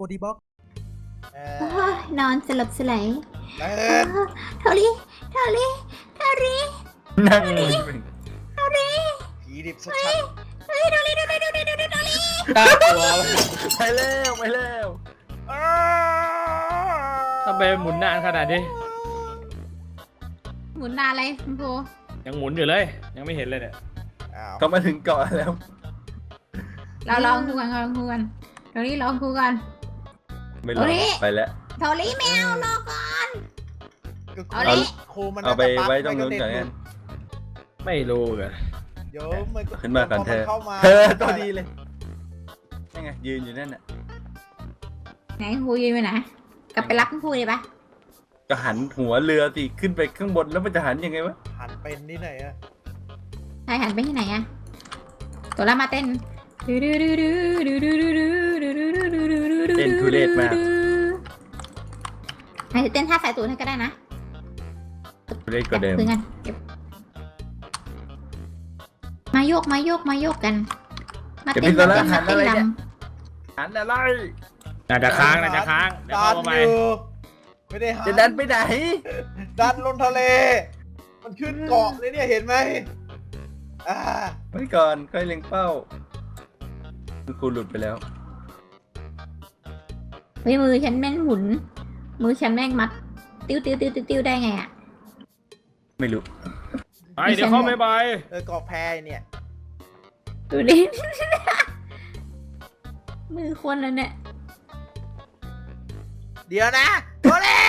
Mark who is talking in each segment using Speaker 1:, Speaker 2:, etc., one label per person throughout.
Speaker 1: ดีบ็อก
Speaker 2: นอนสลบสลาย
Speaker 1: เดิน
Speaker 2: เท่านี้
Speaker 3: นั่ง
Speaker 1: ผีดิบชัด
Speaker 3: น่ากลัวไปแล้ว
Speaker 4: ทำไมหมุนนานขนาดนี้
Speaker 2: หมุนนานเลยคุณครู
Speaker 4: ยังหมุนอยู่เลย ยังไม่เห็นเลยเนี่ย
Speaker 3: ก็มาถึงเกาะแล้ว
Speaker 2: เราลองคุยกันเท่านี้ลองคุยกัน
Speaker 3: ไม่รอไปแล้ว
Speaker 2: เท่านี้แมวรอก่อน
Speaker 1: ครูมัน
Speaker 3: เอาไปไว้ตรงนู้นก่อนกัน
Speaker 4: ไม่รู้กัน
Speaker 1: เดี๋ยวมัน
Speaker 3: ขึ้นมาก่อนเธอ
Speaker 1: เข้ามา
Speaker 3: ตัวดีเลยยังไงยืนอยู่นั่นน่ะ
Speaker 2: ไหนครูยืนไปไหนกลับไปรับคุณครูเลยปะ
Speaker 3: ก็หันหัวเรือสิขึ้นไปข้างบนแล้วมันจะหันยังไงวะ
Speaker 1: หันเป็นนี่ไหนอะ
Speaker 2: ใครหันไปที่ไหนอะตัวละมาเต้น
Speaker 3: เต้นทุเรศมาก
Speaker 2: ให้เต้นท่าสายตูนให้ก็ได้นะ
Speaker 3: ทุเรศกว่าเดิม
Speaker 2: คุยกันมาโยกกันมาเต้นลำ
Speaker 3: หันอะไร
Speaker 4: น่าจะค้างเดี๋ยว
Speaker 1: ดัน
Speaker 4: เข้าไป
Speaker 1: อยู่ไม่ได้หัน
Speaker 3: จะดันไปไหน
Speaker 1: ดันลงทะเล มันขึ้นเกาะเลยเนี่ยเห็นไหม
Speaker 3: ไว้ก่อนค่อยเล็งเป้าครูหลุดไปแล้ว
Speaker 2: มือฉันแม่งหมุนมือฉันแม่งมัดติ้วได้ไงอะ
Speaker 3: ไม่รู้
Speaker 4: ไปเดี๋ยวเข้าไม่ไป
Speaker 1: เกาะแพเนี่ย
Speaker 2: ดูดิ มือคนแล้วเนี่ย
Speaker 1: เดี๋ยวนะโอเล่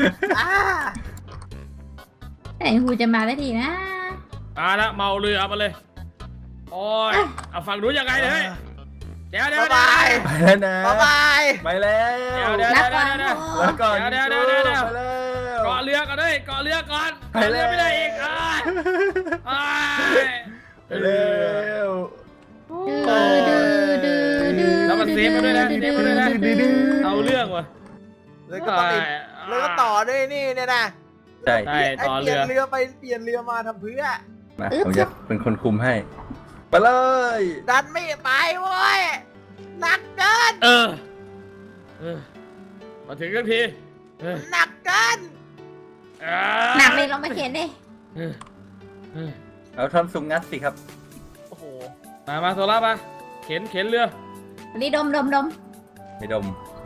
Speaker 2: แต่ครูจะมาได้ทีนะ
Speaker 4: ละเมาเรือมาเลย โอ้ยเอาฝั่งนู้นยังไงเนี่ยเดี๋ยว
Speaker 1: บ๊ายบาย
Speaker 3: ไปแล้วนะ
Speaker 1: บ๊ายบาย
Speaker 3: ไปแล้ว
Speaker 4: เดี๋ยว
Speaker 2: รับก่อน
Speaker 3: แล้วก่อน
Speaker 4: เดี๋ยว
Speaker 3: ไปแล้ว
Speaker 4: เกาะเรือก่อนด้วยเกาะเรือก่อน
Speaker 3: ไปแล้ว
Speaker 4: ไม่ได้อีก
Speaker 3: ไปแล้ว
Speaker 4: แล้วมันเซฟมาด้วยนะเอาเรื่องว่ะ
Speaker 1: แล้วก็ติดแล้วก็ต่อด้วยนี่เนี่ยนะ
Speaker 3: ใช่
Speaker 4: ต่อ
Speaker 1: เปลี่
Speaker 4: เรื
Speaker 1: ยน
Speaker 4: อ
Speaker 1: เรือไปเปลี่ยนเรือมาทำเพื่อ
Speaker 3: มาผมจะเป็นคนคุมให้ ไปเลย
Speaker 1: ดันไม่ไปเว้ยหนักเกิน
Speaker 4: มาถึงกันที
Speaker 1: หนักเกิน
Speaker 2: หนักเลยลองมาเขียนดิ
Speaker 3: เอาท่อนซุงงัดสิครับ
Speaker 1: โอ้โห
Speaker 4: มาโซล่ามาเข็นเรือ
Speaker 2: นี่ดม
Speaker 3: ไม่ดม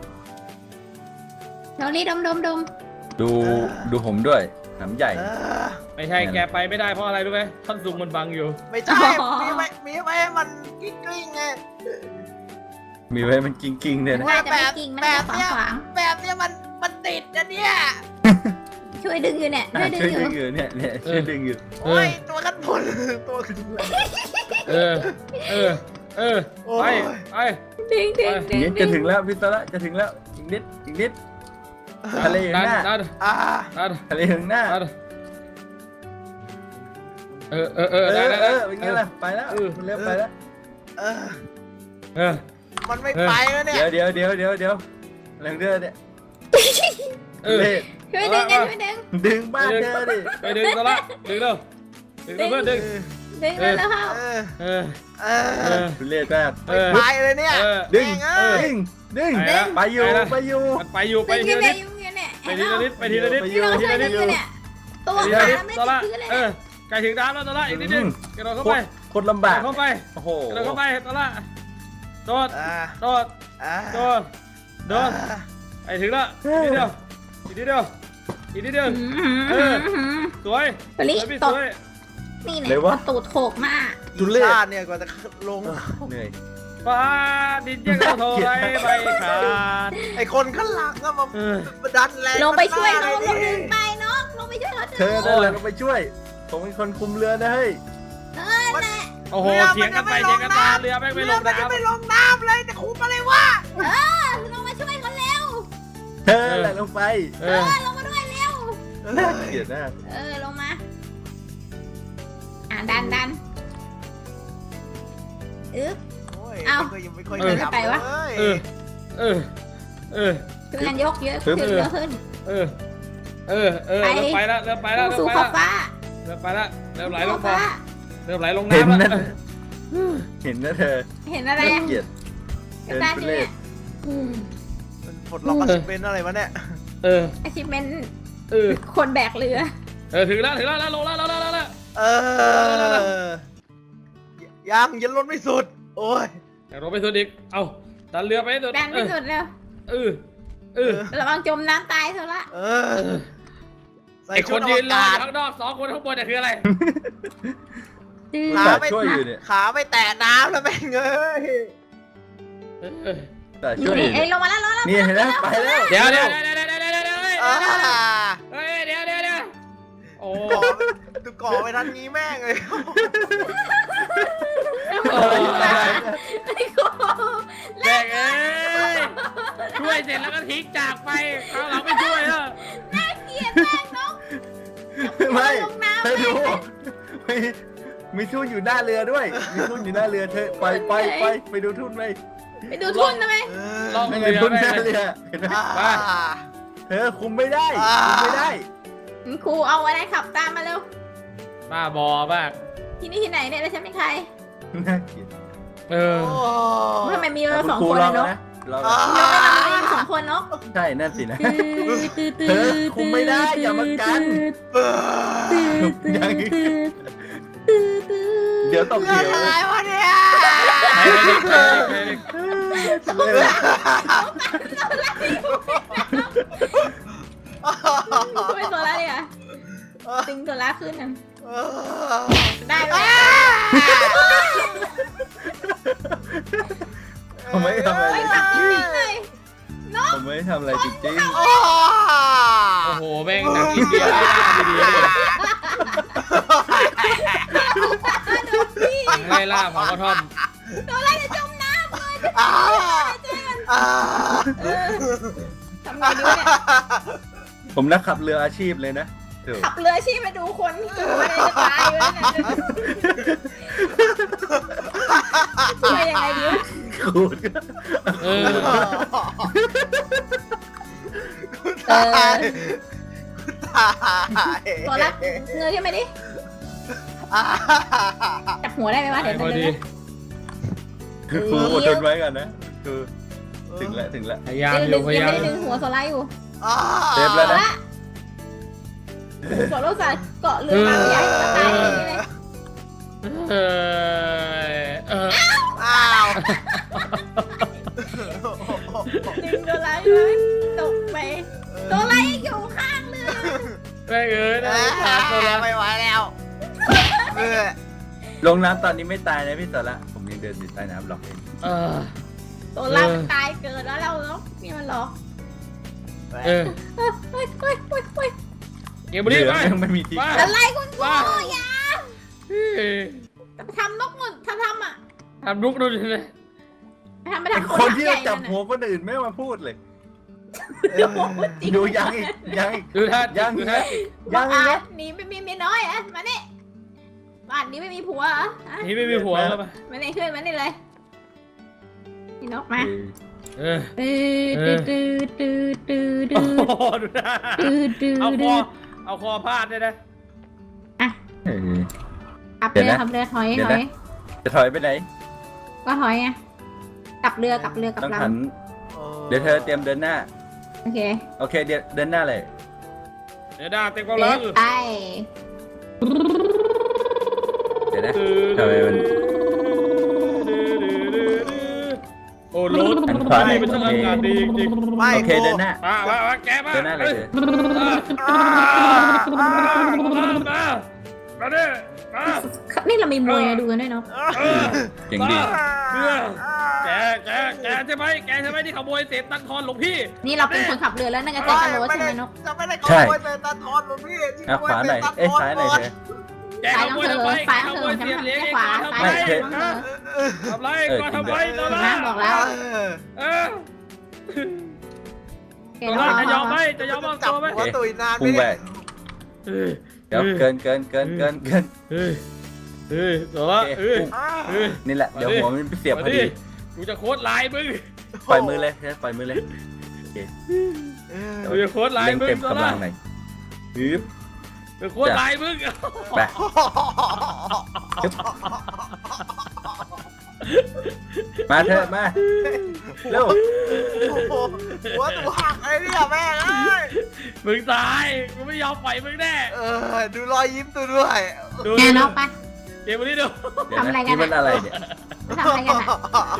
Speaker 2: เท่านี้ดม
Speaker 3: ดูผมด้วยหำใหญ่
Speaker 4: ไม่ใช่แกไปไม่ได้เพราะอะไรรู้ไหมท่อนซุงมันบังอยู่
Speaker 1: ไม่ใช่มีไว้ให้มันกิ้งไง
Speaker 3: มีไว้มันกิ้งๆเนี่ยนะ
Speaker 2: ว่าจะไม่กิ่งมันจะขวาง
Speaker 1: แบบเนี้ยมันติดนะเนี่ย
Speaker 2: ช่วยดึงอยู่เนี่ยช่วยดึง
Speaker 3: ช่วย
Speaker 2: อยู่
Speaker 3: ดึงอยู่เนี่ยช่วยดึงอยู่
Speaker 1: โอ้ยตัวกันผลตัวกันผล
Speaker 4: ไป
Speaker 2: ดึง
Speaker 3: นี่จะถึงแล้วพี่ตละจะถึงแล้วอีกนิดทะเลอยู่หน้า
Speaker 4: ดัน
Speaker 3: ทะเลอยู่หน้า เป็นไงล่ะไปแล้วมันเร็วไปแล้ว
Speaker 1: มันไม่ไปแล้วเนี่ย
Speaker 3: เดี๋ยวแรงเรือเนี่ยเล่
Speaker 2: ช่วยดึงกันช่วยดึง
Speaker 3: ดึงบ้านเธอดิ
Speaker 4: ไปดึงซะละดึงเร็วเพื่อนดึง
Speaker 2: แล้วเข้า
Speaker 3: ทุเรศมาก
Speaker 1: ไปเลยเนี่ย
Speaker 3: ดึงไปอยู่
Speaker 4: มันไปอยู่ไปทีละนิด
Speaker 2: เนี่ย
Speaker 4: ไปทีละนิดไปทีละนิด
Speaker 2: ที่เราช่วยดึงอยู่เนี่ยตัวขาไม่ติดพื้นเลย
Speaker 4: ไก่ถึงน้ำแล้วตอนละอีกนิดนึงกระโดดเข้าไป
Speaker 3: โคตรลำบาก
Speaker 4: เข้าไป
Speaker 3: โอ้โห
Speaker 4: กระโดดเข้าไปตอนละโดดไอ้ถึงละอีกนิดเดียวสวย
Speaker 2: นี่ตกนี่เนี่ยตูดโขกมาก
Speaker 3: ทุเรศ
Speaker 1: ชาติเนี่ยกว่าจะลง
Speaker 3: เหนื่อย
Speaker 4: ฟ้าดินยังโทรไรไปขาด
Speaker 1: ไอคนข้างหลังก็มาดันแรง
Speaker 2: ลงไปช่วยน้องดึงไปน้องลงไปช่วยเขาดึง
Speaker 3: เธอนั่นแหละต้องไปช่วยผมเป็นคนคุมเรือนะเฮ้ย
Speaker 4: โอ้โหเถียงกันไปเถียงกันมาเรือแม่งไม่ลง
Speaker 1: มันจะ
Speaker 4: น้ำ
Speaker 1: ไม่ลงน้ำเลยจะคุมอะไรวะ
Speaker 2: ลงมาช่วยเขาเร็ว
Speaker 3: เธอแหละลงไป
Speaker 2: ลงมาด้วยเร็ว
Speaker 3: น่าเกลียดมาก
Speaker 2: ลงมาดันไม่ค่อยช่วยกันยกเยอะขึ้นเยอะขึ้น
Speaker 4: เริ่มไปแล้ว
Speaker 2: สู่ขอบฟ้า
Speaker 4: เริ่มไปแล้วเริ่มไหลลง
Speaker 2: ฟ้า
Speaker 4: เริ่มไหลลง
Speaker 3: เห็น
Speaker 4: น้ำ
Speaker 3: นะ
Speaker 4: แล้ว
Speaker 3: เห็นนะเธอ
Speaker 2: เห็นอะไร
Speaker 3: เกลียด
Speaker 2: กระดานเนี่ย
Speaker 1: ปลดล็อกอาชีพเป็นอะไรวะเนี่ย
Speaker 4: เออ
Speaker 2: achievement
Speaker 4: เออ
Speaker 2: คนแบกเรือ
Speaker 4: ถึงแล้วลงแล้ว
Speaker 1: ยังลดไม่สุด โอ้ย
Speaker 4: อยากลงไปสุดอีกเอาดันเรือไปให้สุด
Speaker 2: ดันไม่สุดแล้ว ระวังจมน้ำตายเถอะละ
Speaker 1: ใส่
Speaker 4: ไอค
Speaker 1: ชุด
Speaker 4: น
Speaker 1: อ
Speaker 4: ยื
Speaker 1: วน
Speaker 4: รอก
Speaker 1: าศ
Speaker 4: ข้างนอก2 คนข้างบนเนี่ยคืออะไร
Speaker 1: ขาไม่
Speaker 3: ช่วยอยู่เนี่ย
Speaker 1: ขาไม่แตะน้ำแล้วแม่งเอ้ย
Speaker 3: แต่ช่วยอยู่
Speaker 2: เอ้ยลงมาแล้ว
Speaker 3: นี่เห็นไหมไปแล้ว
Speaker 4: เดี๋ยว
Speaker 1: อ่า
Speaker 4: โอ้
Speaker 1: ดูก่อไปทันนี้แม่งเลย
Speaker 4: แม่งเอ้ยช่วยเสร็จแล้วก็ทิ้งจากไปเขาเราไม่ช่วยแล้ว
Speaker 2: เกลียดแม่งนก
Speaker 3: ไม่
Speaker 2: ลงน้ำ
Speaker 3: เธอดูมีทุ่นอยู่หน้าเรือด้วย มีทุ่นอยู่หน้าเรือเธอไปดูทุ่นไป
Speaker 2: ไปดูทุ่นทำไม
Speaker 4: ลอง
Speaker 3: ไม่
Speaker 4: เรื
Speaker 3: ไง
Speaker 4: อ
Speaker 3: ทุ่น
Speaker 4: ไป
Speaker 3: หน้าเรือเห็นไหมเธอคุมไม่ได้
Speaker 2: ครูเอาอะไรขับตามมาเร็ว
Speaker 4: บ้าบอมาก
Speaker 2: ที่นี่ที่ไหนเนี่ยแล้วฉันเป็นใคร
Speaker 3: น่าเกลียด
Speaker 2: ทำไมมีเราสอง
Speaker 3: ณ
Speaker 2: คน
Speaker 3: รอ
Speaker 2: เลยนก
Speaker 3: นะรอ
Speaker 2: เราไม่นำเราอยู่สองคนนก
Speaker 3: ใช่นั่นสินะ เธอคุมไม่ได้อย่ามากัน เดี๋ยวตก
Speaker 1: เรื่
Speaker 3: เดี๋
Speaker 1: อง
Speaker 3: ยว
Speaker 1: อะไรวะเนี่ย
Speaker 2: ช่วยโซล่าดิอ่ะตึงโซล่าขึ้นนะได้ไหม
Speaker 3: ผมไม่ทำอะไร
Speaker 2: ไม่ขับจริงๆเลย
Speaker 3: ผมไม่ทำอะไรจริง
Speaker 4: โอ้โหแม่งหนังอินเดียดีๆไล่ล่าเผากระท่อม
Speaker 2: โซล่าจะจมน้ำเลยทำไงดีเนี่ย
Speaker 3: ๆ ผมนักขับเรืออาชีพเลยนะเดี๋ยว
Speaker 2: ขับเรือชีพมาดูคนที่ตัวอะไรจะตายอยู่แล้วเนี่ยช่วยยังไงดี
Speaker 3: ขูด
Speaker 4: เออ
Speaker 1: ตาย
Speaker 2: โซล่าเงยขึ้นมาดิจับหัวได้ไหมวะเดี๋ยว
Speaker 4: พอดี
Speaker 3: ครูอดทนไว้กันนะคือถึงแล้ว
Speaker 4: พยายามอ
Speaker 2: ดึ
Speaker 4: ยู่
Speaker 2: ง
Speaker 4: พยายาม
Speaker 2: ไม่ได้ดึงหัวโซล่าอยู่
Speaker 3: เซฟแล้วนะ
Speaker 2: โซล่าเกาะเรือมาใหญ่ตายเลย
Speaker 1: อ้าว
Speaker 2: ดึงโซล่าอยู่ตกไปโซล่ายังอยู่ข้างเรือ
Speaker 4: แม่งเอ้ยนะขาดตัวละ
Speaker 1: ไม่ไหวแล้วเออ
Speaker 3: ลงน้ำตอนนี้ไม่ตายนะพี่ต่อละผมยังเดินอยู่ใต้น้ำหรอกเอง
Speaker 2: โซล่าตายเกิดแล้วเราเนาะนี่มันหรอ
Speaker 4: เออ
Speaker 2: เฮ้ย
Speaker 4: เกมบุรี
Speaker 3: เรือ
Speaker 4: ไป
Speaker 3: ยังไม่มีที่
Speaker 2: อะไรคุณครูอย่าทำนกหมดทำอ่ะ
Speaker 4: ทำลุกดูดิเลย
Speaker 2: ทำไป
Speaker 3: ไอ้
Speaker 2: ทำ
Speaker 3: คนที่จะจับหัวคนอื่นไม่มาพูดเลยดูยังอีก
Speaker 4: ดูท่า
Speaker 3: ยัง
Speaker 4: ดู
Speaker 3: อีก
Speaker 4: ท่า
Speaker 3: นะ
Speaker 2: ยั
Speaker 3: ยัง ง
Speaker 2: อี
Speaker 3: อี
Speaker 2: ก
Speaker 3: ก
Speaker 2: นะ
Speaker 3: นะ
Speaker 2: หนีไม่มีเมียน้อยอ่ะมาเนี่ยบ้านนี้ไม่มีผัวเหรอ
Speaker 4: นี่ไม่มีหัวแล้วปะ
Speaker 2: มาเนี่ยขึ้นมาเนี่ยเลยนี่นกมา
Speaker 4: เออ
Speaker 2: ตื้อ
Speaker 4: โอ้โหดูท่าเอาคอพาดเลยนะ
Speaker 2: ขับเรือถอย
Speaker 3: จะถอยไปไหน
Speaker 2: ก็ถอยไงกลับเรือกลับ
Speaker 3: ต้อง
Speaker 2: ล
Speaker 3: หันเดี๋ยวเธอเตรียมเดินหน้า
Speaker 2: ำโอเค
Speaker 3: โอเคเดินหน้าเลย
Speaker 4: เดี๋ยวด่าเต็มกำ
Speaker 2: เดิ
Speaker 4: ลั
Speaker 2: น
Speaker 4: ง
Speaker 2: ไป
Speaker 3: เดี๋ยวนะทำไมมัน
Speaker 4: โอ้รถ
Speaker 3: หันขวาหน่อย
Speaker 4: มันช่างอากาศดีจริง
Speaker 1: ไม่
Speaker 3: โอเคเดินหน้า
Speaker 4: มาแกมา
Speaker 3: เดินหน้าเลยเธอ
Speaker 4: มาดิมา
Speaker 2: นี่เรามีมวยดูกันด้วยเนาะ
Speaker 3: เก่งดี
Speaker 4: แกใช่ไหมที่ขโมยเศษตังทอนหลวงพี่
Speaker 2: นี่เราเป็นคนขับเรือแล้วน่าจะแจ้งตำรวจใช่ไหมนก
Speaker 1: จะไม่ได้ขโมยเศษตาทอนหรอกพี่
Speaker 3: อ่ะขวาหน่อยเอ้ยซ้ายหน่อยเธอ
Speaker 4: แกขโมยทำไมแกขโมยเศษเหรียญขวาทำไมทำไรก็ทำไมตอน
Speaker 2: นะ
Speaker 4: นั้น
Speaker 2: บอกแล้ว
Speaker 4: ตัวจะยอมไหมจะยอมมอบ
Speaker 1: จับ
Speaker 4: ตัวไหม
Speaker 1: หัวตุยนาน
Speaker 3: พุ่ง
Speaker 1: ไม่
Speaker 3: ไป
Speaker 1: ได้
Speaker 3: เดี๋ยวเกิน
Speaker 4: ตัวละ
Speaker 3: นี่แหละเดี๋ยวหัวมันไปเสียบพอดี
Speaker 4: กูจะโค้ดลายมึง
Speaker 3: ปล่อยมือเลยปล่อยมือเลย
Speaker 4: กูจะโค้ดลาย
Speaker 3: เล่ง
Speaker 4: มึง
Speaker 3: เต็ม
Speaker 4: ตัว
Speaker 3: กำ
Speaker 4: ละ
Speaker 3: ลังหน่อยฮึบ
Speaker 4: จะโค้ดลายมึง
Speaker 3: ไปมาเถอะมาเร็ว
Speaker 1: โอ้โหหัวตัวหักไอ้เนี่ยแม่งเอ้ย
Speaker 4: มึงตายกูไม่ยอมปล่อยมึงแน่
Speaker 1: ดูรอยยิ้มตัวด้วย
Speaker 4: ดู
Speaker 2: แกนอกไป
Speaker 4: เกมวันนี้ดู
Speaker 3: เดี๋ยว
Speaker 2: ทำอะไร
Speaker 3: นะ
Speaker 2: กัน
Speaker 3: นี่มันอะไรเนี่ย
Speaker 2: ทำอะไรกันอะ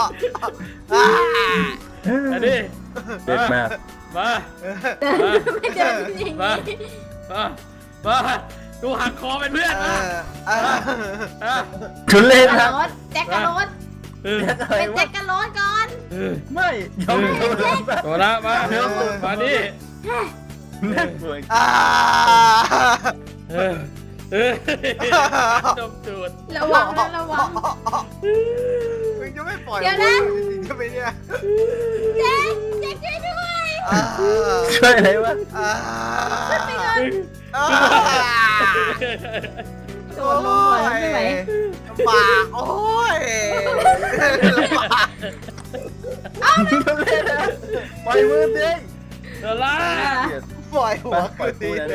Speaker 4: อันนี้
Speaker 3: เด็ดมาก
Speaker 4: มา
Speaker 2: เดินไม่เดินอย่างนี้
Speaker 4: มาดูหักคอเป็นเพื่อนมาอ่ะ
Speaker 3: ชุนเล่น
Speaker 2: ก
Speaker 3: ค
Speaker 2: ระ
Speaker 3: รับ
Speaker 2: โดดแจ็คกระโดด
Speaker 3: อะไร
Speaker 2: เป็น
Speaker 3: วะ
Speaker 2: แจ็คกระโดดก่อน
Speaker 3: ไม่ยอมโดน
Speaker 4: โดนละมานี่
Speaker 3: น่ากลัว
Speaker 4: จมจูด
Speaker 2: ระวังนะระวัง
Speaker 1: มึงจะไม่ปล่อย
Speaker 2: เดี๋ยวนะ
Speaker 1: จริงๆใช่ไหมเนี่ย
Speaker 2: แจ็คแจ็คช่วยด้วย
Speaker 3: ช่วยอะไรวะ
Speaker 2: ไปก่อนโดนลงหัวไม่ไหว
Speaker 1: ปากโอ้ยปาก
Speaker 3: ชุนเล่นนะปล่อยมือสิ
Speaker 4: เดี๋ยวละ
Speaker 1: ปล่อยหัวคืนดีเลย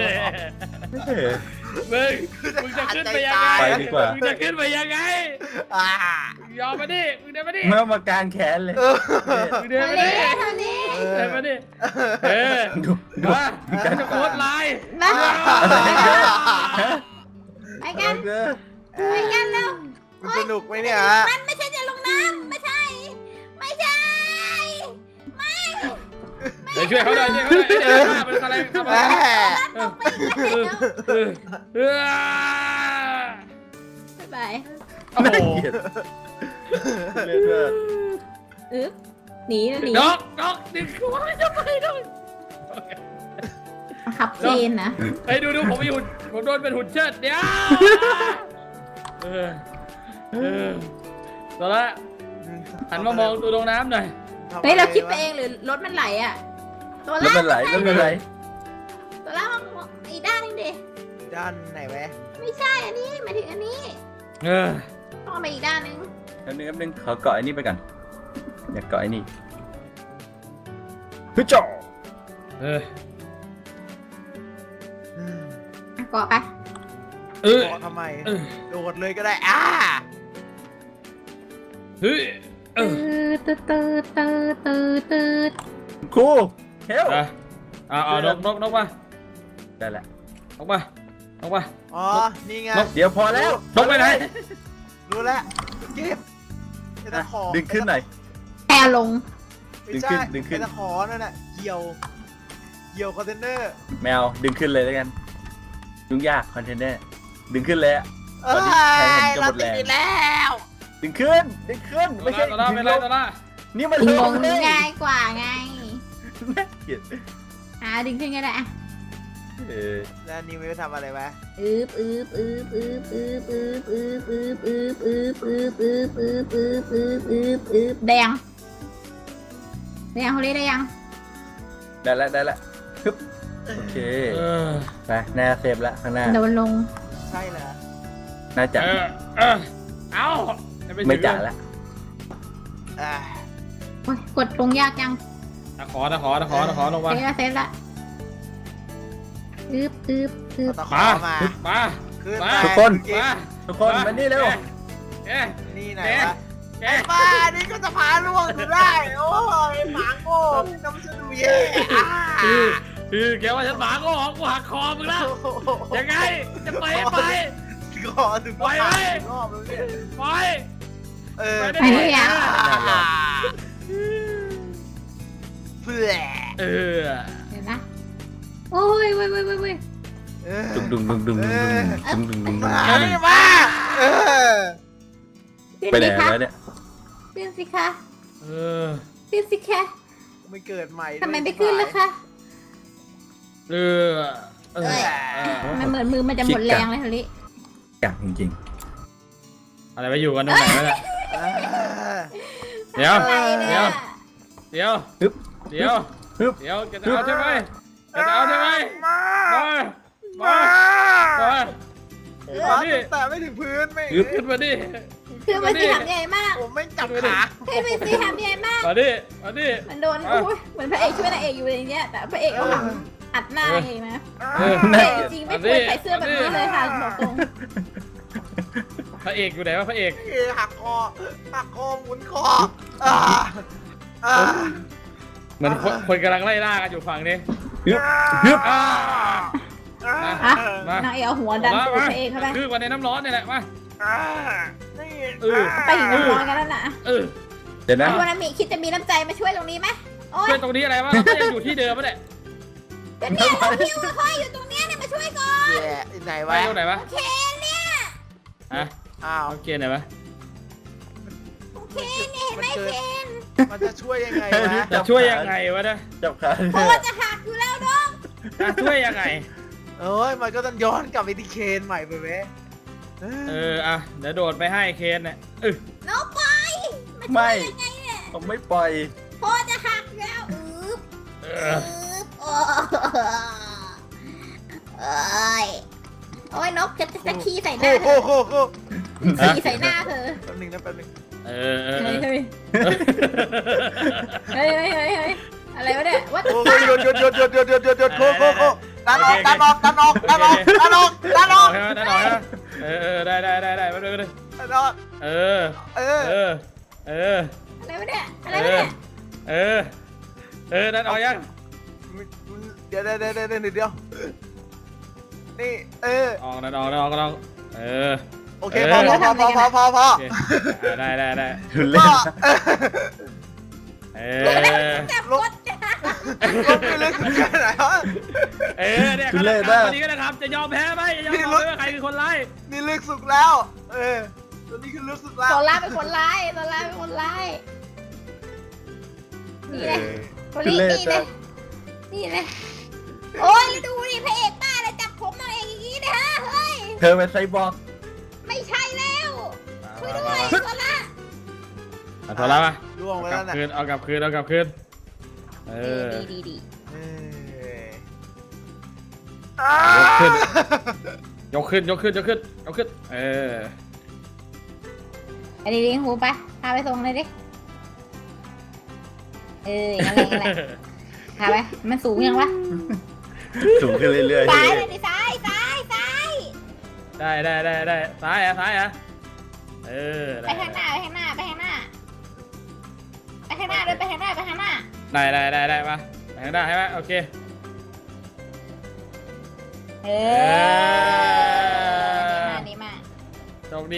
Speaker 4: มึงจะขึ้นไปยังไง
Speaker 3: ไปดีกว่า
Speaker 4: มึงจะขึ้นไปยังไงยอมมาดิมึงเดินมาดิ
Speaker 3: เมื่อมากางแขนเลย
Speaker 4: มึงเดิน
Speaker 2: ทาง
Speaker 4: มาดิ
Speaker 2: นี้ทางนี้
Speaker 4: เดินมาดิ
Speaker 3: ดูดู
Speaker 4: มาจะโคตรลาย
Speaker 2: มาไปกันไปกันเร็ว
Speaker 1: มันสนุกไหมเนี่ยฮะ
Speaker 2: มันไม่ใช่จะลงน้ำไม่ใช่ ไม่ใช่
Speaker 4: เดี๋ยวช่วยเขาหน่อยช่วยเขาหน่อยเดี๋ยวมาเป็นอะไรทำอะไร
Speaker 2: บ๊ายบาย
Speaker 4: โอ้โห
Speaker 3: น่าเกลียดเล่นด้วย
Speaker 2: อึ๊บหนีนะหนี
Speaker 4: นกดึงหัวจะไปด้วย
Speaker 2: ขับเชนนะ
Speaker 4: เฮ้ยดูผมมีหุ่นผมโดนเป็นหุ่นเชิดเดี๋ยวตอนละหันมามองตัวลงน้ำหน่อย
Speaker 2: เฮ้ยเราคิดไปเองหรือรถมันไหลอ่ะตัว
Speaker 3: แล้ว
Speaker 2: ล่า
Speaker 3: มันไหลแล้วมันไหล
Speaker 2: ตัวล่างอีกด้านนึงดิ
Speaker 1: ด้านไหนแวะ
Speaker 2: ไม่ใช่อันนี้หมายถึงอันนี้ต้องเอาไปอีกด้านนึง
Speaker 3: อันนึงขอเกาะไอ้นี่ไปก่อนอยากเกาะไอ้นี่ฮึจ่อ
Speaker 2: เกาะไป
Speaker 1: เกาะทำไมโดดเลยก็ได้
Speaker 4: เฮ้ย
Speaker 2: ตืดด
Speaker 3: ครูเฮล
Speaker 4: นกมา
Speaker 3: ได้แล้ว
Speaker 4: นกมา
Speaker 1: อ๋อนี่ไง
Speaker 3: เดี๋ยวพอแล้ว
Speaker 4: นกไปไหน
Speaker 1: รู้แล้วเก็บไอ้ตะขอ
Speaker 3: ดึงขึ้นหน่อย
Speaker 2: แอร์ลง
Speaker 1: ไม่ใช่
Speaker 3: ดึงขึ้น
Speaker 1: ไอ้ตะขอนั่นน่ะเกี่ยวคอนเทนเนอร์
Speaker 3: แมวดึงขึ้นเลยแล้วกันยุ่งยากคอนเทนเนอร์ดึงขึ้นเลยอะ
Speaker 1: เราติดอีกแล้ว
Speaker 3: ดึงขึ้นไม่ใช่
Speaker 4: ตอนละไม่ไรตอนละ
Speaker 3: นี่มัน
Speaker 2: ล
Speaker 3: ล
Speaker 2: ง
Speaker 3: งเลย
Speaker 2: ง่ายกว่าไง
Speaker 3: น่าเกลียด
Speaker 2: ดึงขึ้นก็ได้อะ
Speaker 1: แล้วนิวจะทำอะไรวะ
Speaker 2: อึ๊บแดงเขาเรียกได้ยัง
Speaker 3: ได้แล้วฮึบโอเคไปหน้าเซฟละข้างหน้า
Speaker 2: โดนลง
Speaker 1: ใช่เหรอ
Speaker 3: น่าจัด
Speaker 4: เอา
Speaker 3: ไม่จัดละ
Speaker 2: โอ้ยกดลงยากจัง
Speaker 4: ตะขอลงมา
Speaker 2: เซฟละอึ๊บ
Speaker 1: ตะขอมา
Speaker 4: มา
Speaker 1: ขึ้น
Speaker 3: ทุกคนมานี่เร็ว
Speaker 1: นี่ไหนวะไอ้บ้านี่ก็จะพาล่วงดูได้โอ้ยหมาโง่น้ำจะดูแย่
Speaker 4: แกว่าฉันหมาก็หอกกูหักคอมึงแล้วยังไงจะไป
Speaker 1: ก่อนถึงรอบแล้วเนี่ย
Speaker 4: ไป
Speaker 2: ไปได้ยัง
Speaker 1: เพื่อ
Speaker 2: เดี๋ยวนะโอ้ย
Speaker 3: ดุง
Speaker 1: มา
Speaker 3: ไปไหนแล้วเนี่ย
Speaker 2: ขึ้นสิคะขึ้นสิคะ
Speaker 1: ไม่เกิดใหม่
Speaker 2: ทำไมไม่ขึ้นล่ะคะมันเหมือนมือมันจะหมดแรงเลยฮะลิ
Speaker 3: กักจริง
Speaker 4: อะไรไปอยู่กันตรงไหนวะเนี่ยเดี๋ยว
Speaker 2: อะไรเนี่ย
Speaker 4: เดี๋ยวจะเอาใช่ไหมมาดิ
Speaker 1: แต่ไม่ถึงพื้นไม่
Speaker 4: ขึ้นมาดิ
Speaker 2: คือมันสีหำใหญ่มาก
Speaker 1: ผมไม่จับขา
Speaker 2: คือมันสีหำใหญ่มาก
Speaker 4: มาดิ
Speaker 2: มันโดนโอ้ยเหมือนพระเอกช่วยนางเอกอยู่อย่างเงี้ยแต่พระเอกเอาหลังอัดหน้าเองนะพระเอกจริงไม่ควรใส่เสื้อแบบนี้เลยค่ะบอกตรง
Speaker 4: พระเอกอยู่ไหนวะพระเอก
Speaker 1: หักคอหมุนคออ่าอ่า
Speaker 4: เหมือนคนกำลังไล่ล่ากันอยู่ฝั่งนี้
Speaker 3: ฮึบ
Speaker 4: อ่า
Speaker 1: อ่า
Speaker 2: อ่ะ
Speaker 4: มา
Speaker 2: นางเอกเอาหัวดันตูดพระเอกเข้าไป
Speaker 4: คือวันในน้ำร้อนนี่แหละมา
Speaker 1: อ่านี่
Speaker 2: ไปหิวร้อนกันแล้วนะ
Speaker 3: เดี๋ยวนะ
Speaker 2: วันนั้นมีคิดจะมีน้ำใจมาช่วยตรงนี้ไหมโอ๊ย
Speaker 4: ช่วยตรงนี้อะไรวะเราก็ยังอยู่ที่เดิมปะเนี่ย
Speaker 2: ก็เนี่ยเราหิวคอยอยู่ตรงเนี้ยเนี่ยมาช่วยก่อน
Speaker 1: แย่ไหน
Speaker 4: ไป
Speaker 1: วะ
Speaker 4: ตรงไหนวะ
Speaker 2: โอเคเนี่ย
Speaker 4: ฮะ
Speaker 1: อ้าว
Speaker 4: โอเคไหนวะ
Speaker 2: โอเคเนี่ยเห็นไหมเคน
Speaker 1: มันจะช่วยยังไงวะ
Speaker 4: จะช่วยยังไงวะเนี่ย
Speaker 3: จับขา
Speaker 2: เพราะว่าจะหักอยู่แล้วน้อง
Speaker 4: จะช่วยยังไง
Speaker 1: เอ้ยมันก็ต้องย้อนกลับไปที่เคนใหม่ไปเว้ย
Speaker 4: อ่ะเดี๋ยวโดดไปให้เคนเนี่ย
Speaker 2: น้องไปมาช่
Speaker 3: ไม่
Speaker 2: วยยังไงเนี่ย
Speaker 3: ผมไม่ปล่อย
Speaker 2: เพราะว่าจะหักอยู่แล้วโอ้ยโอ้ยนกจะขี้ใส่หน้าเธ
Speaker 1: โอ้
Speaker 2: อ
Speaker 1: โห
Speaker 2: ขี้ใส่หน้าเธอ
Speaker 1: แป๊บนึงนะแป๊บนึง
Speaker 4: เออ
Speaker 2: เฮ้ยเฮ้ยเฮ้ยเฮ้ยเฮ้ยอะไรวะเนี่ยวัด
Speaker 1: โอ้ยหยุดโคดันออกดันออก
Speaker 4: ออกใช่ไหมได้หน่อยนะได้ไปเลย
Speaker 1: ดันออก
Speaker 4: เออ
Speaker 2: อะไรวะเนี่ยอะไรวะเนี่ย
Speaker 4: ได้หน่อยยัง
Speaker 1: เดี๋ยวนี่
Speaker 4: ออก
Speaker 1: โอเคพอ
Speaker 4: ได้
Speaker 3: ทุเล่น
Speaker 2: จับกด
Speaker 1: ก็ไม่ลึกแค่ไหนวะ
Speaker 4: เนี่ยวันนี้ก็นะครับจะยอมแพ้ไหมจะยอมแพ้ว่าใครคือคนไล่
Speaker 1: นี่ลึกสุดแล้วตัวนี้คือลึกสุดแล้ว
Speaker 2: โซล่าเป็นคนร้ายนี่เลยคนนี้นี่เลยโอ้ยดูดิพระเอกป้าเลยจับผมนางเอกอย่างนี้นะฮะเฮ้ย
Speaker 3: เธอเป็นไซบอร์ก
Speaker 2: ไม่ใช่แล้วช่วยด้วยโซล่า
Speaker 4: โทรแล้วมา
Speaker 1: ล่วงไปแล้วนะ
Speaker 4: เอากลับคืน
Speaker 2: ดี
Speaker 4: ยกขึ้น
Speaker 2: ไอ้ดิหูไปพาไปส่งเลยดิอะไรพาไปมันสูงยังวะ
Speaker 3: สูงขึ้นเรื่อยๆ
Speaker 2: ซ้ายเลยดิซ้าย
Speaker 4: ได้ซ้ายอ่ะ
Speaker 2: ไปข้างหน้าเลยไปข้างหน้าได้มาไปข้างหน้า
Speaker 4: ใช่ไหมโอเค
Speaker 2: ดีมาก
Speaker 4: โชคดี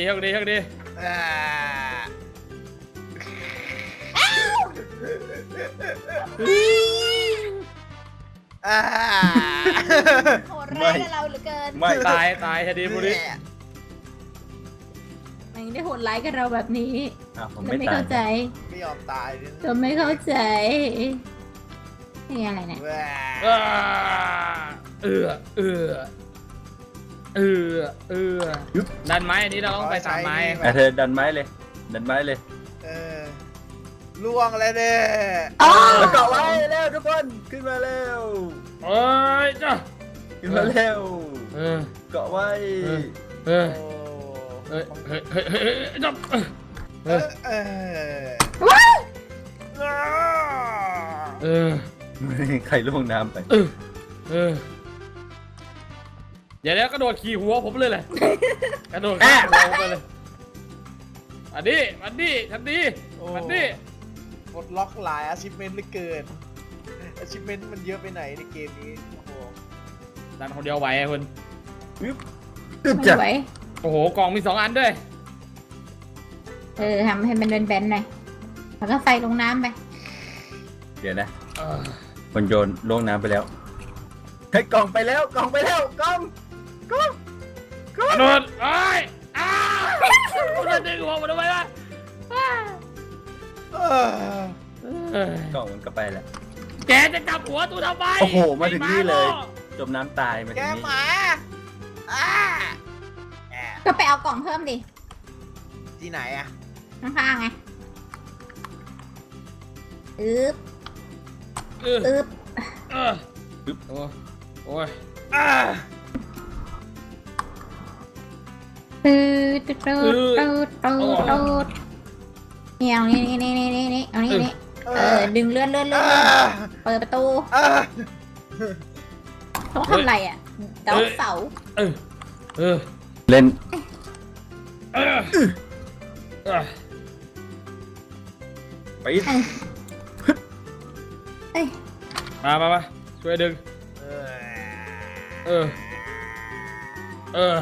Speaker 2: โหดร้ายกับเราเหลือเกิน
Speaker 3: ไม่
Speaker 4: ตายคดีบุรี
Speaker 2: ไม่ได้โหดร้ายกับเราแบบนี้
Speaker 3: ผม
Speaker 2: เรา
Speaker 3: ไม่
Speaker 2: ไม่
Speaker 3: ตา
Speaker 2: เข้าย ใจ
Speaker 1: ไม่ยอมตายเลย
Speaker 2: เราไม่เข้าใจนี่อะไรเนี่ย
Speaker 4: ดันไม้อันนี้เราต้องไปตามไม้
Speaker 3: เธอดันไม้เลย
Speaker 1: ล่วงเลยเนี่ย
Speaker 3: แล้วเกาะไว้เร็วทุกคนขึ้นมาเร็ว
Speaker 4: เอ้ยจ้ะ
Speaker 3: ขึ้นมาเร็วเกาะไว้
Speaker 4: จับ
Speaker 3: ใครล่วงน้ำไป
Speaker 4: เดี๋ยวกระโดดขี่หัวผมเลยแหละกระโดดขี่หัวผมไปเลยอันนี้ทันที
Speaker 1: ปลดล็อกหลาย achievement เหลือเกิน achievement มันเยอะไปไหนในเกมนี้โอ้โห
Speaker 4: ดันคนเดียวไหวไอ้คุณ
Speaker 2: ไม่ไหว
Speaker 4: โอ้โหกล่องมี2 อันด้วย
Speaker 2: ทำให้มันแบนๆหน่อยแล้วก็ใส่ลงน้ำไป
Speaker 3: เดี๋ยวนะคนโยนล่วงน้ำไปแล้วให้กล่องไปแล้วกล่อง
Speaker 4: กระโดดมันดึงหัวมันทำไมวะ
Speaker 3: กล่องมันก็ไปแล้ว
Speaker 4: แกจะจับหัวตูทำไม
Speaker 3: โอ้โหมาถึงนี่เลยจมน้ำตายมาถึ
Speaker 1: แก
Speaker 3: งนี่
Speaker 1: หมา
Speaker 2: ก็ไปเอากล่องเพิ่มดิ
Speaker 1: ที่ไหนอะ
Speaker 2: ข้างๆไงอึ๊บ
Speaker 4: โอ้ย
Speaker 2: ตูดนี่เอานี่เอานี่ดึงเลื่อนเปิดประตูต้องทำอะไรอ่ะเดาเสา
Speaker 3: เล่น
Speaker 4: เออเออ
Speaker 3: ไป
Speaker 2: เอ้ย
Speaker 4: มาช่วยดึง
Speaker 1: เอ
Speaker 4: เออ เออ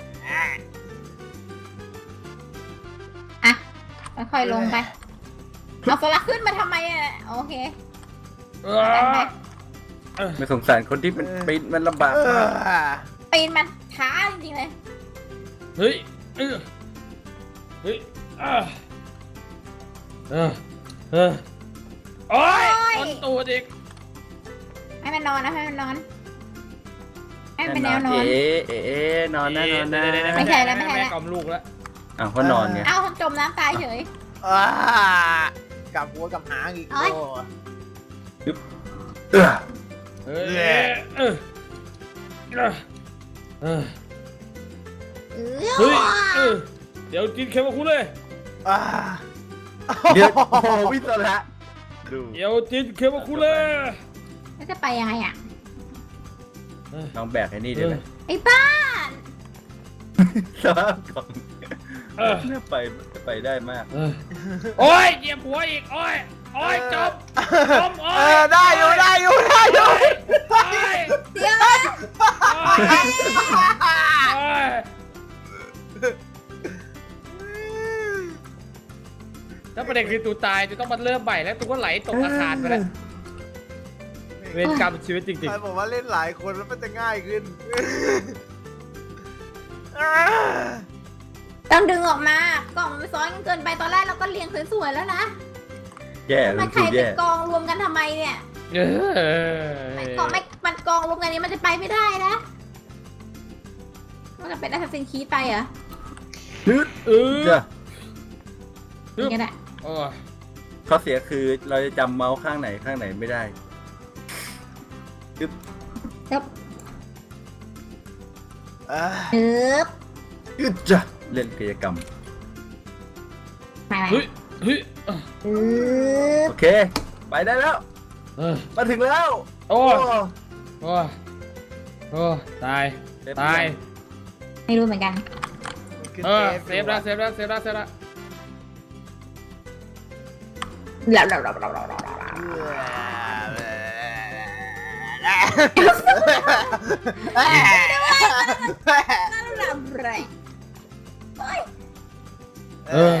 Speaker 2: อ่ะค่อยๆลงไปเอาโซล่าขึ้นมาทำไมอ่ะโอเค
Speaker 4: เอ
Speaker 2: กันไป
Speaker 4: อ
Speaker 3: ไม่สงสารคนที่มันปีนมันลำบาก
Speaker 1: อ
Speaker 3: มาก
Speaker 2: ปีนมันช้าจริงๆเลย
Speaker 4: เฮ้ยเออเฮ้ยเออเออเออโอ้ยคนตูดอีก
Speaker 2: ให้มันนอนนะให้มันนอนให้มันเป็นแนวนอน
Speaker 3: นอนนะนอนนะ
Speaker 2: ไม่ใช่แล้วไม่ใช่แล้ว
Speaker 4: แม่กล่อมลูกแล้ว
Speaker 3: อ้าวเขานอนไง
Speaker 2: เอ้าจมน้ำตายเฉย
Speaker 1: กลับหัวกลับหางอีก
Speaker 2: เอ้ย
Speaker 1: โอ้
Speaker 3: เออ
Speaker 4: เฮ้ยเออเออเออ เฮ้ยเดี๋ยวกินเค็มกับคุณเลย
Speaker 1: อ่า
Speaker 3: เดี๋ยวโอ้โหวิศระดู
Speaker 4: เดี๋ยวกินเค็มกับคุณเลย
Speaker 2: แล้วจะไปยังไงอ่ะ
Speaker 3: ลองแบกไอ้นี่ได้ไหม
Speaker 2: ไอ้บ้า
Speaker 3: สภาพกล่องน่าไปได้มาก
Speaker 4: โอ้ยเหยียบหัวอีกโอ้ยโอ้ยจมโอ้ย
Speaker 1: ได้อยู่
Speaker 4: โอ้ย
Speaker 2: เดี๋ยว
Speaker 4: โอ้ยถ้าประเด็นคือตูตายตูต้องมาเริ่มใหม่แล้วตูก็ไหลตกอาคารไปแล้วเวรกรรมชีวิตจริง
Speaker 1: ใครบอกว่าเล่นหลายคนแล้วมันจะง่ายขึ้น
Speaker 2: ต้องดึงออกมากล่องมันซ้อนกันเกินไปตอนแรกเราก็เรียงสวยๆแล้วนะ
Speaker 3: แย่
Speaker 2: มั
Speaker 3: รู้
Speaker 2: นใค
Speaker 3: สึ
Speaker 2: ร
Speaker 3: ก
Speaker 2: เป็
Speaker 3: แย่
Speaker 2: นกองรวมกันทำไมเนี่ย
Speaker 4: ๆ
Speaker 2: กองไม่มันกองรวมกันนี้มันจะไปไม่ได้นะมันจะเป็นแอสซัสซินคีดไปเหรอ
Speaker 3: จ้ะ
Speaker 2: อย่างนั้นแหละ
Speaker 4: โอ้ย
Speaker 3: ข้อเสียคือเราจะจำเมาส์ข้างไหนไม่ได้
Speaker 2: ปึ๊บ
Speaker 3: จ้ะเล่นกิจกรรม
Speaker 2: มา
Speaker 4: เฮ้ยเฮ้ย
Speaker 2: ปึ๊บ
Speaker 3: โอเค ไปได้แล้ว มาถึงแล้ว
Speaker 4: โอ้ยโอ้ยโอ้ยตายตาย
Speaker 2: ไม่รู้เหมือนกัน
Speaker 4: เซฟแล้วเซฟแล้วเซฟแล้วเซฟแล้ว เออ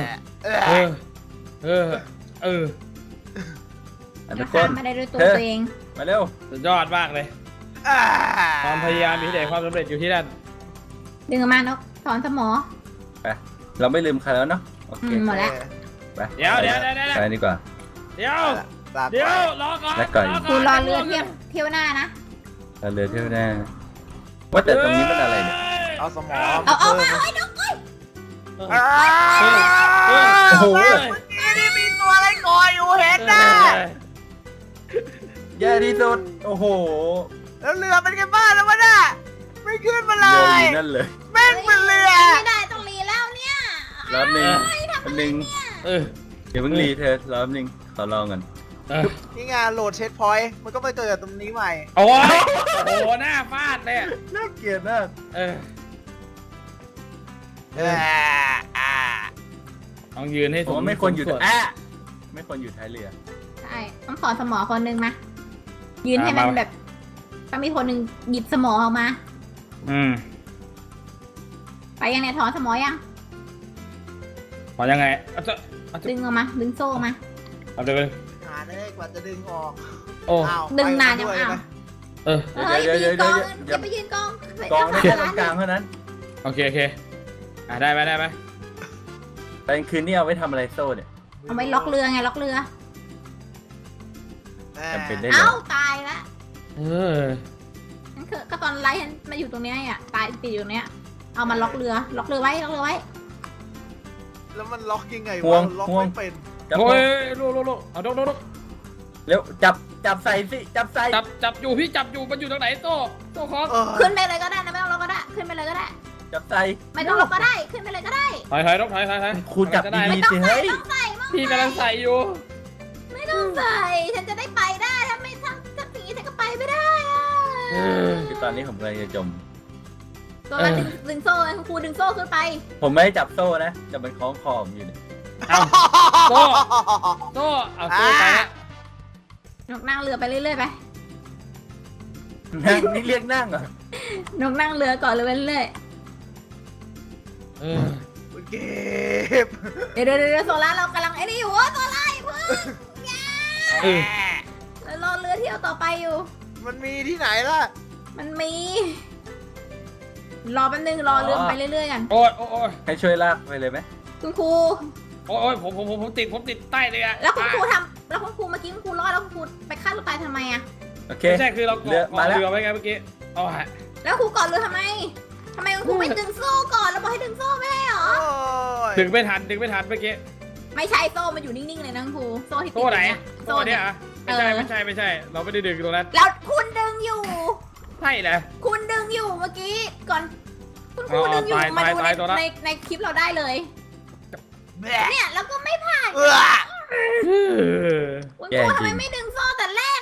Speaker 3: อันทุกค
Speaker 2: ข้าม
Speaker 3: น
Speaker 2: มาได้ด้วยตัวเอง
Speaker 3: มาเร็ว
Speaker 4: สุดยอดมากเลยความพยายามมีแต่ความสำเร็จอยู่ที่นั่น
Speaker 2: ดึงออกมานกถอนสมอ
Speaker 3: เราไม่ลืมใครแล้วเนาะโอเค
Speaker 2: หมดแล้ว
Speaker 3: ไป
Speaker 4: เดี๋ยว
Speaker 3: ไปดีกว่า
Speaker 4: เดี๋ยวรอก่อน
Speaker 3: แล้วก่อน
Speaker 2: คุณรอเรือเที่ยวหน้านะ
Speaker 3: เราเลยเที่ยวหน้าว่าแต่ตรงนี้มันอะไรเนี่ย
Speaker 1: เอาสมอง
Speaker 2: เอามาไอ้นก
Speaker 3: โอ้โห
Speaker 1: นี่มีตัวอะไรคอยอยู่เห็นนะ
Speaker 3: แย่ที่สุดโอ้โห
Speaker 1: แล้วเรือเป็นไงบ้างแล้ววะน่ะไม่ขึ้นมาเล
Speaker 3: เรือย อยู่นั่นเลย
Speaker 1: แม่งเป็นเรือ
Speaker 2: ไม่ได้ต้องรีแล้วเนี่ย
Speaker 3: รอบหนึ่งอันหนึ่ง
Speaker 4: เออ
Speaker 3: เดี๋ยวเพิ่งรีเธอรอบหนึ่งขอลองกัน
Speaker 1: นี่ไงานโหลดเช็คพอยต์มันก็ไปเกิดตรงนี้ใหม่
Speaker 4: โอ้ยโอ้โหหน้าฟาดเลย
Speaker 3: น่าเกลียดมาก
Speaker 4: ต้องยืนให้
Speaker 3: ผมว่าไม่ควรอยู่ไม่ควรอยู่ท้ายเรือ
Speaker 2: ใช่ต้องถอนสมอคนนึงมายืนให้มันแบบต้องมีคนหนึ่งหยิบสมอออกมา ไปยังเนี่ยถอนสมอยัง
Speaker 4: พอยังไง
Speaker 2: ดึงออกมาดึงโซ่ออกมา
Speaker 4: เอาเดี๋ยว
Speaker 1: หาได้กว่าจะดึงออก
Speaker 4: โอ้
Speaker 2: ดึงนานยังอ้าว
Speaker 4: เออ
Speaker 2: เฮ้ยไปยืนกองอย่าไปยืนกอง
Speaker 3: กองได้แค่ตรงกลางเท่านั้น
Speaker 4: โอเคได้ไหม
Speaker 3: แต่คืนนี้เอาไว้ทำอะไรโซ่เนี่ย
Speaker 2: เอาไว้ล็อกเรือไงล็อกเรือ
Speaker 3: จำเป็นได้เลย
Speaker 2: เอ้าตายละ
Speaker 4: เออ
Speaker 2: นั่นคือก็ตอนไล่มาอยู่ตรงเนี้ยอ่ะตายติดอยู่เนี้ยเอามาล็อกเรือไว้
Speaker 1: แล้วมันล็อกยังไง
Speaker 3: ห่ว
Speaker 1: วะ
Speaker 3: ง
Speaker 1: ล็อก
Speaker 3: ห่วง
Speaker 1: ไม่เป็น
Speaker 3: จับ
Speaker 4: โอ้ยลูกเอาลูก
Speaker 3: เร็วจับใส่สิจับใส่
Speaker 4: จับอยู่พี่จับอยู่มันอยู่ตรงไหนโซ่คล้อง
Speaker 2: ขึ้นไปเลยก็ได้นะไม่ต้องล็อกก็ได้ขึ้นไปเลยก็ได้
Speaker 3: จับใส่
Speaker 2: ไม่ต้องล็อกก็ได้ขึ้นไปเลยก็ได้
Speaker 4: ถอยนกถอย
Speaker 3: ครูจับ
Speaker 4: ได้
Speaker 3: ดีๆสิเฮ้ย
Speaker 2: ต้องใส่มั้ง
Speaker 4: พี่กำลังใส่อยู่
Speaker 2: ไม่ต้องใส่ฉันจะได้ไปได้ถ้าไม่ทำสิ่งนี้ฉันก็ไปไม่ได้อะ
Speaker 3: คือตอนนี้ผมกำลังจะจม
Speaker 2: ตัวละดึงโซ่คุณครูดึงโซ่ขึ้นไป
Speaker 3: ผมไม่ได้จับโซ่นะแต่มันคล้องคอผมอยู่เนี่ย
Speaker 4: เอาโซ่โซ่เอาโซ่ไปละ
Speaker 2: นกนั่งเรือไปเรื่อยๆไป
Speaker 3: นั่งนี่เรียกนั่งเหรอน
Speaker 2: กนั่งเรือก่อนเลยไปเรื่อย
Speaker 4: เออ
Speaker 1: เก็บ
Speaker 2: ๆเดี๋ยวโซล่าเรากำลังไอ้นี่อยู่โซล่าอย่าเพิ่ง
Speaker 4: เออ
Speaker 2: เรารอเรือเที่ยวต่อไปอยู่
Speaker 1: มันมีที่ไหนล่ะ
Speaker 2: มันมี รอแป๊บนึงรอเรือไปเรื่อยๆกัน
Speaker 4: โอ้ยโอ้ย
Speaker 3: ให้ช่วยลากไปเลยไหม
Speaker 2: คุณครู
Speaker 4: โอ้ยผมติดใต้เลยอะ
Speaker 2: แล้วคุณครูทำแล้วคุณครูเมื่อกี้คุณครูรอดแล้วคุณครูไปฆ่าตัวตายทำไมอะ
Speaker 3: โอเค
Speaker 4: ไม่ใช่คือเราเกาะ
Speaker 3: เรือมาแล้ว
Speaker 4: เรือไว้ไงเมื่อกี้เอาฮะ
Speaker 2: แล้วครูก่อนเรือทำไมคุณครูไม่ดึงโซ่ก่อนแล้วบอกให้ดึงโซ่ไม่ให้เหรอ
Speaker 1: โอ้ย
Speaker 4: ดึงไม่ทันเมื่อกี้
Speaker 2: ไม่ใช่โซ่มันอยู่นิ่งๆเลยนะคุณครูโซ่ที่ติด
Speaker 4: โซ่ไหน
Speaker 2: เนี่ย
Speaker 4: โซ่เนี่ยอะไม่ใช่เราไม่ได้ดึงตรงนั้น
Speaker 2: แล้วคุณดึงอยู่
Speaker 4: ใช่แหละ
Speaker 2: คุณดึงอยู่เมื่อกี้ก่อน คุณครูดึงอยู่
Speaker 4: ตาย
Speaker 2: มาดู
Speaker 4: ตายตัวละ
Speaker 2: ในคลิปเราได้เลย
Speaker 1: แม่
Speaker 2: เนี่ยแล้วก็ไม่ผ่าน
Speaker 1: เออ
Speaker 2: คุณครูทำไมไม่ดึงโซ่แต่แรก